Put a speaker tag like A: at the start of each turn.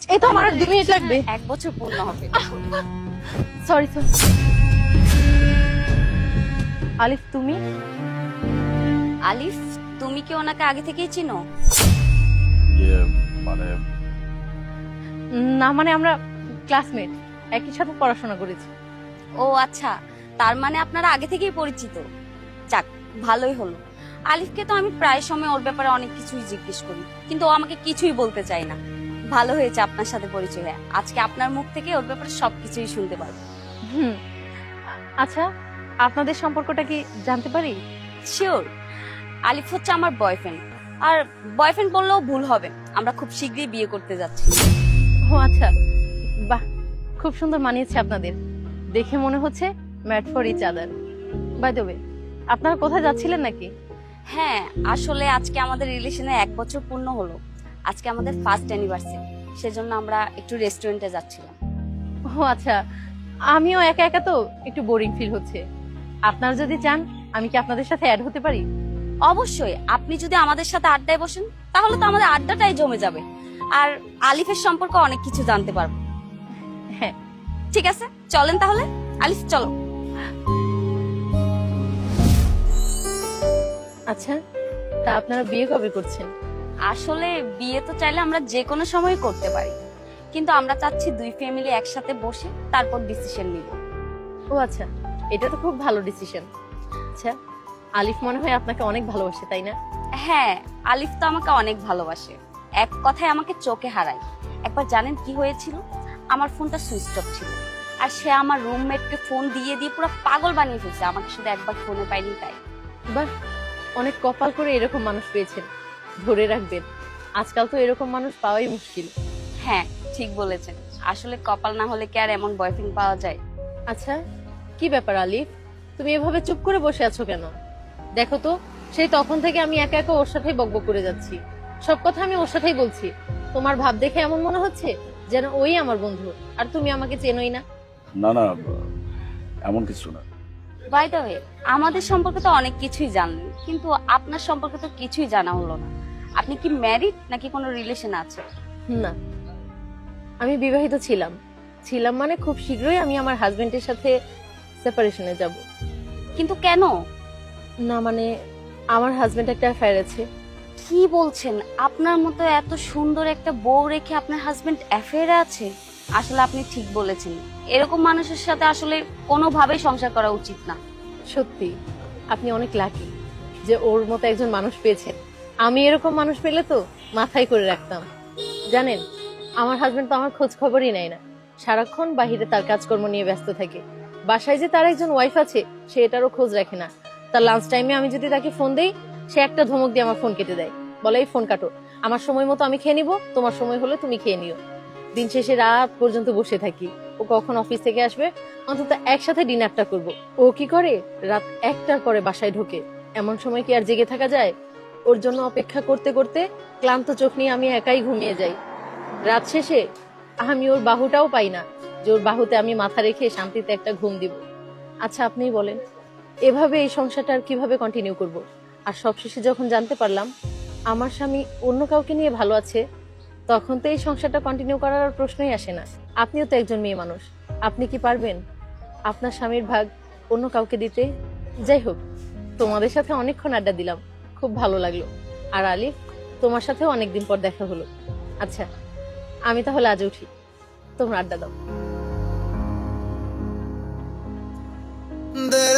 A: এই তো আমার আর 2 মিনিট লাগবে।
B: 1 বছর পূর্ণ হবে।
A: Sorry sorry. আলিফ তুমি?
B: আলিফ, তুমি কি ওনাকে আগে থেকেই চিনো?
C: ইয়ে মানে
A: না মানে আমরা ক্লাসমেট, একই সাথে পড়াশোনা করেছি।
B: ও আচ্ছা, তার মানে আপনারা আগে থেকেই পরিচিত। যাক, ভালোই হলো। আলিফকে তো আমি প্রায় সময় ওর ব্যাপারে অনেক কিছুই জিজ্ঞেস করি, কিন্তু ও আমাকে কিছুই বলতে চায় না। ভালো হয়েছে আপনার সাথে পরিচয় হয়ে। আজকে আপনার মুখ থেকে ওর ব্যাপারে সবকিছুই শুনতে পারবো।
A: হুম। আচ্ছা, আপনাদের সম্পর্কটা কি জানতে পারি?
B: শিওর। আলিফ হচ্ছে আমার বয়ফ্রেন্ড, আর বয়ফ্রেন্ড বললেও ভুল হবে। আমরা খুব শীঘ্রই বিয়ে করতে যাচ্ছি।
A: ও আচ্ছা, বাহ, খুব সুন্দর মানিয়েছে আপনাদের। দেখে মনে হচ্ছে made for each other. By the way, আপনারা কোথায় যাচ্ছিলেন নাকি?
B: হ্যাঁ, আসলে আজকে আমাদের রিলেশনে 1 বছর পূর্ণ হলো। আজকে আমাদের ফার্স্ট অ্যানিভার্সারি, সেজন্য আমরা একটু রেস্টুরেন্টে যাচ্ছিলাম।
A: ও আচ্ছা, আমিও একা একা তো একটু বোরিং ফিল হচ্ছে। আপনারা যদি চান আমি কি আপনাদের সাথে অ্যাড হতে পারি?
B: অবশ্যই, আপনি যদি আমাদের সাথে আড্ডায় বসেন তাহলে তো আমাদের আড্ডাটাই জমে যাবে, আর আলিফের সম্পর্কে অনেক কিছু জানতে পারবো।
A: হ্যাঁ।
B: ঠিক আছে, চলেন তাহলে। আলিফ চলো।
A: আচ্ছা, তা আপনারা বিয়ে কবে করছেন?
B: আসলে বিয়ে তো চাইলে আমরা যে কোনো সময় করতে পারি, কিন্তু আমরা চাচ্ছি 2 ফ্যামিলি একসাথে বসে তারপর ডিসিশন নিব।
A: ও আচ্ছা, এটা তো খুব ভালো ডিসিশন। আচ্ছা, আলিফ মনে হয় আপনাকে অনেক ভালোবাসে, তাই না?
B: হ্যাঁ, আলিফ তো আমাকে অনেক ভালোবাসে। এক কথায় আমাকে চোখে হারায়। একবার জানেন কি হয়েছিল? আমার ফোনটা সুইচ অফ ছিল, আর সে আমার রুমমেটকে ফোন দিয়ে দিয়ে পুরো পাগল বানিয়ে ফেলছে। আমাকে শুধু একবার ফোনে পাইনি তাই।
A: বাহ, অনেক কপাল করে এরকম মানুষ পেয়েছেন। ধরে রাখবেন, আজকাল তো এরকম মানুষ পাওয়াই মুশকিল।
B: হ্যাঁ, ঠিক বলেছেন। আসলে কপাল না হলে কি আর এমন বয়ফ্রেন্ড পাওয়া যায়?
A: আচ্ছা, কি ব্যাপার আলিফ, তুমি এভাবে চুপ করে বসে আছো কেন? দেখো তো, সেই তখন থেকে আমি একা একা ওর সাথেই বকবক করে যাচ্ছি। সব কথা আমি ওর সাথেই বলছি। তোমার ভাব দেখে এমন মনে হচ্ছে যেন ওই আমার বন্ধু, আর তুমি আমাকে চেনোই না।
C: না না, এমন কিছু না।
B: বাই দ্য ওয়ে, আমাদের সম্পর্কে তো অনেক কিছুই জানলেন, কিন্তু আপনার সম্পর্কে তো কিছুই জানা হলো না। আপনি কি ম্যারিড নাকি কোনো রিলেশন আছে?
A: না, আমি বিবাহিত ছিলাম। ছিলাম মানে খুব শীঘ্রই আমি আমার হাজবেন্ডের সাথে সেপারেশনে যাব।
B: কিন্তু কেন?
A: না মানে, আমার হাজবেন্ড একটা অ্যাফেয়ার আছে।
B: কি বলছেন? আপনার মতো এত সুন্দর একটা বউ রেখে আপনার হাজবেন্ড অ্যাফেয়ারে আছে? আসলে আপনি ঠিক বলেছেন, এরকম মানুষের সাথে আসলে কোনোভাবেই সংসার করা উচিত না।
A: সত্যি, আপনি অনেক লাকি যে ওর মতো একজন মানুষ পেয়েছেন। আমি এরকম মানুষ পেলে তো মাথায় করে রাখতাম। জানেন, আমার হাজবেন্ড তো আমার খোঁজ খবরই নেয় না। সারাক্ষণ বাহিরে তার কাজকর্ম নিয়ে ব্যস্ত থাকে। বাসায় যে তার একজন ওয়াইফ আছে সে এটারও খোঁজ রাখে না। তার লাঞ্চ টাইমে আমি যদি তাকে ফোন দেই, সে একটা ধমক দিয়ে আমার ফোন কেটে দেয়, বলে এই ফোন কাটো, আমার সময় মতো আমি খেয়ে নিব, তোমার সময় হলে তুমি খেয়ে নিও। দিন শেষে রাত পর্যন্ত বসে থাকি। ও কখন অফিস থেকে আসবে, অন্তত একসাথে ডিনারটা করব। ও কি করে, রাত 1টার পরে বাসায় ঢোকে। এমন সময় কি আর জেগে থাকা যায়? ওর জন্য অপেক্ষা করতে করতে ক্লান্ত চোখ নিয়ে আমি একাই ঘুমিয়ে যাই। রাত শেষে আমি ওর বাহুটাও পাই না যে ওর বাহুতে আমি মাথা রেখে শান্তিতে একটা ঘুম দিব। আচ্ছা, আপনিই বলেন, এভাবে এই সংসারটা আর কিভাবে কন্টিনিউ করব? আর সবশেষে যখন জানতে পারলাম আমার স্বামী অন্য কাউকে নিয়ে ভালো আছে, তখন তো এই সংসারটা কন্টিনিউ করার আর প্রশ্নই আসে না। আপনিও তো একজন মেয়ে মানুষ, আপনি কি পারবেন আপনার স্বামীর ভাগ অন্য কাউকে দিতে? যাই হোক, তোমাদের সাথে অনেকক্ষণ আড্ডা দিলাম, খুব ভালো লাগলো। আর আলিফ, তোমার সাথেও অনেকদিন পর দেখা হলো। আচ্ছা, আমি তাহলে আজ উঠি, তোমরা আড্ডা দাও।